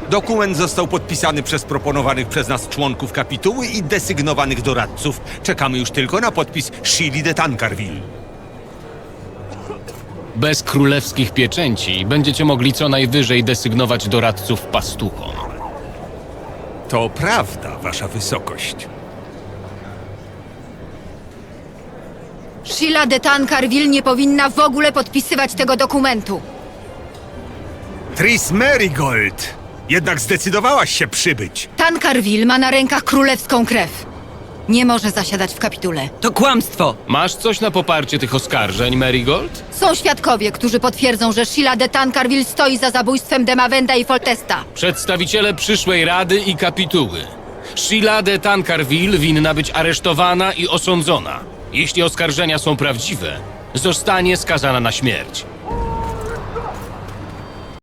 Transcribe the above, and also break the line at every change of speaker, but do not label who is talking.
Dokument został podpisany przez proponowanych przez nas członków kapituły i desygnowanych doradców. Czekamy już tylko na podpis Shili de Tancarville.
Bez królewskich pieczęci będziecie mogli co najwyżej desygnować doradców pastuchom.
To prawda, wasza wysokość.
Sheila de Tancarville nie powinna w ogóle podpisywać tego dokumentu.
Tris Merigold! Jednak zdecydowałaś się przybyć.
Tancarville ma na rękach królewską krew. Nie może zasiadać w kapitule.
To kłamstwo!
Masz coś na poparcie tych oskarżeń, Marigold?
Są świadkowie, którzy potwierdzą, że Sheila de Tancarville stoi za zabójstwem Demavenda i Foltesta.
Przedstawiciele przyszłej rady i kapituły. Sheila de Tancarville winna być aresztowana i osądzona. Jeśli oskarżenia są prawdziwe, zostanie skazana na śmierć.